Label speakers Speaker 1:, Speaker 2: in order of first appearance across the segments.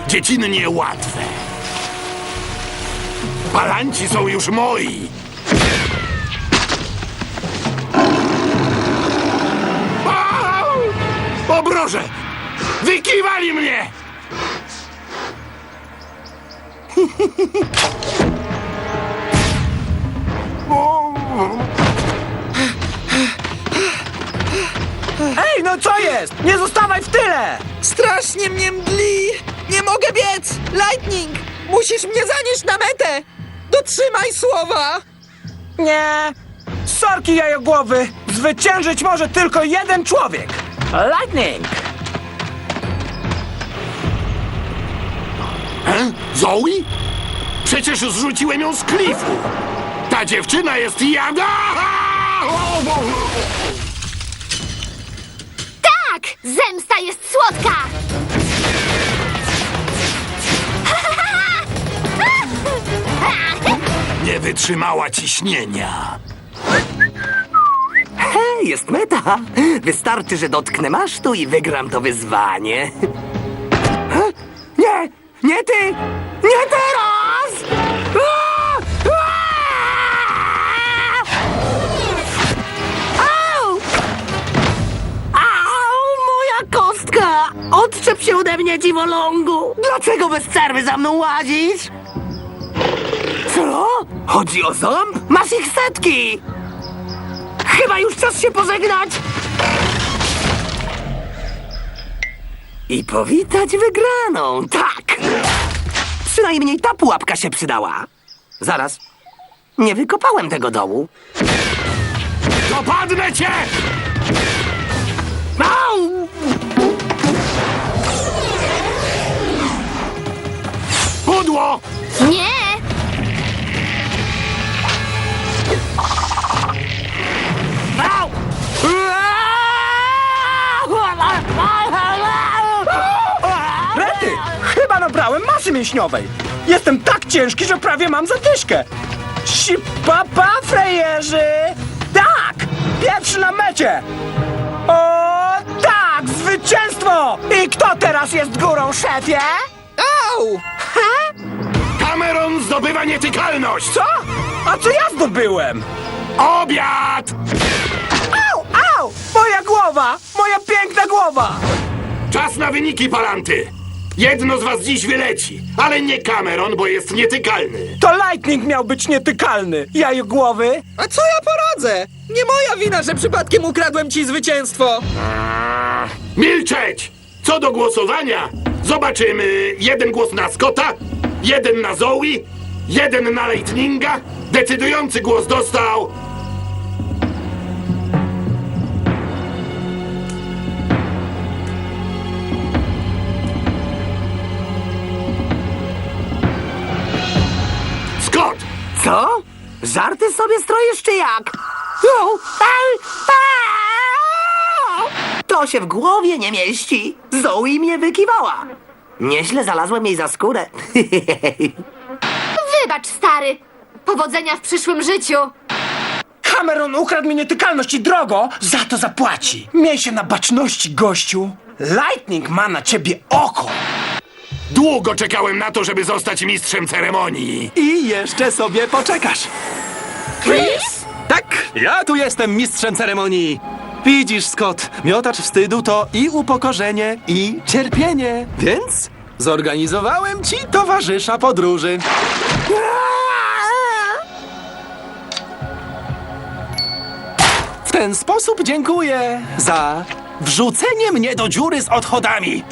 Speaker 1: dziecinnie łatwe. Palanci są już moi. O broże! Wykiwali mnie!
Speaker 2: Ej, no co jest? Nie zostawaj w tyle!
Speaker 3: Strasznie mnie mdli! Nie mogę biec! Lightning! Musisz mnie zanieść na metę! Dotrzymaj słowa!
Speaker 2: Nie! Sorki, jajogłowy! Zwyciężyć może tylko jeden człowiek! Lightning!
Speaker 1: Zoe? Przecież zrzuciłem ją z klifu. Ta dziewczyna jest jada!
Speaker 4: Tak! Zemsta jest słodka!
Speaker 1: Nie wytrzymała ciśnienia.
Speaker 5: Hej, jest meta. Wystarczy, że dotknę masztu i wygram to wyzwanie. Nie! Nie ty! Nie teraz! Au! Au, moja kostka! Odczep się ode mnie, dziwolągu! Dlaczego bez przerwy za mną łazisz? Co? Chodzi o ząb? Masz ich setki! Chyba już czas się pożegnać! I powitać wygraną, tak! Przynajmniej ta pułapka się przydała. Zaraz. Nie wykopałem tego dołu.
Speaker 1: Dopadnę cię!
Speaker 5: Au!
Speaker 1: Pudło!
Speaker 4: Nie!
Speaker 5: Au!
Speaker 2: Rety! Chyba nabrałem masy mięśniowej! Jestem tak ciężki, że prawie mam zadyszkę! Sipapa, frejerzy! Tak! Pierwszy na mecie! O, tak! Zwycięstwo! I kto teraz jest górą, szefie?
Speaker 3: Au!
Speaker 1: Cameron zdobywa nietykalność!
Speaker 2: Co? A co ja zdobyłem?
Speaker 1: Obiad!
Speaker 2: Au, au! Moja głowa! Moja piękna głowa!
Speaker 1: Czas na wyniki, Palanty! Jedno z was dziś wyleci, ale nie Cameron, bo jest nietykalny.
Speaker 2: To Lightning miał być nietykalny! Jajogłowy!
Speaker 3: A co ja poradzę? Nie moja wina, że przypadkiem ukradłem ci zwycięstwo!
Speaker 1: Milczeć! Co do głosowania, zobaczymy jeden głos na Scotta, jeden na Zoe, jeden na Lightninga. Decydujący głos dostał... Scott!
Speaker 5: Co? Żarty sobie stroisz, czy jak? To się w głowie nie mieści. Zoe mnie wykiwała. Nieźle znalazłem jej za skórę.
Speaker 4: Wybacz, stary! Powodzenia w przyszłym życiu!
Speaker 2: Cameron ukradł mi nietykalność i drogo za to zapłaci. Miej się na baczności, gościu. Lightning ma na ciebie oko.
Speaker 1: Długo czekałem na to, żeby zostać mistrzem ceremonii.
Speaker 6: I jeszcze sobie poczekasz.
Speaker 3: Chris?
Speaker 6: Tak, ja tu jestem mistrzem ceremonii. Widzisz, Scott, miotacz wstydu to i upokorzenie, i cierpienie. Więc zorganizowałem ci towarzysza podróży. W ten sposób dziękuję za wrzucenie mnie do dziury z odchodami.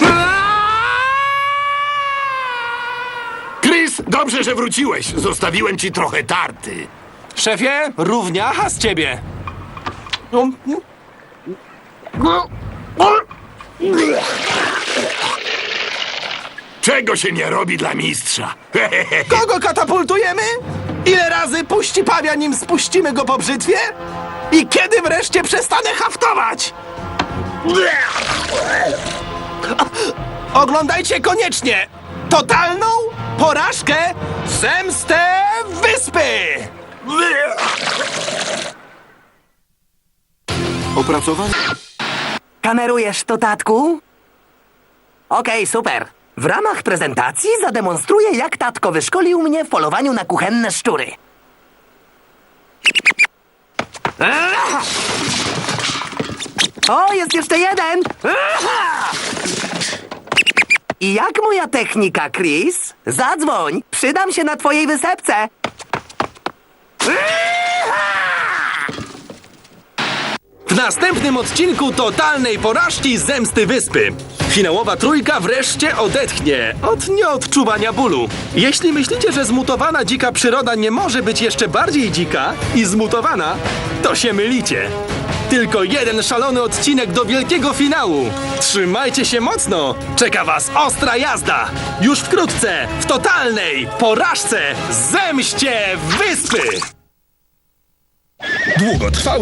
Speaker 1: Chris, dobrze, że wróciłeś. Zostawiłem ci trochę tarty.
Speaker 6: Szefie, równiacha z ciebie.
Speaker 1: Czego się nie robi dla mistrza?
Speaker 6: Kogo katapultujemy? Ile razy puści pawia, nim spuścimy go po brzytwie? I kiedy wreszcie przestanę haftować? Oglądajcie koniecznie totalną porażkę Zemstę Wyspy!
Speaker 1: Opracowanie?
Speaker 5: Kamerujesz to, tatku? Okej, super. W ramach prezentacji zademonstruję, jak tatko wyszkolił mnie w polowaniu na kuchenne szczury. O, jest jeszcze jeden! I jak moja technika, Chris? Zadzwoń! Przydam się na twojej wysepce!
Speaker 6: W następnym odcinku totalnej porażki Zemsty Wyspy. Finałowa trójka wreszcie odetchnie od nieodczuwania bólu. Jeśli myślicie, że zmutowana dzika przyroda nie może być jeszcze bardziej dzika i zmutowana, to się mylicie. Tylko jeden szalony odcinek do wielkiego finału. Trzymajcie się mocno! Czeka was ostra jazda! Już wkrótce w totalnej porażce Zemście Wyspy! Długotrwały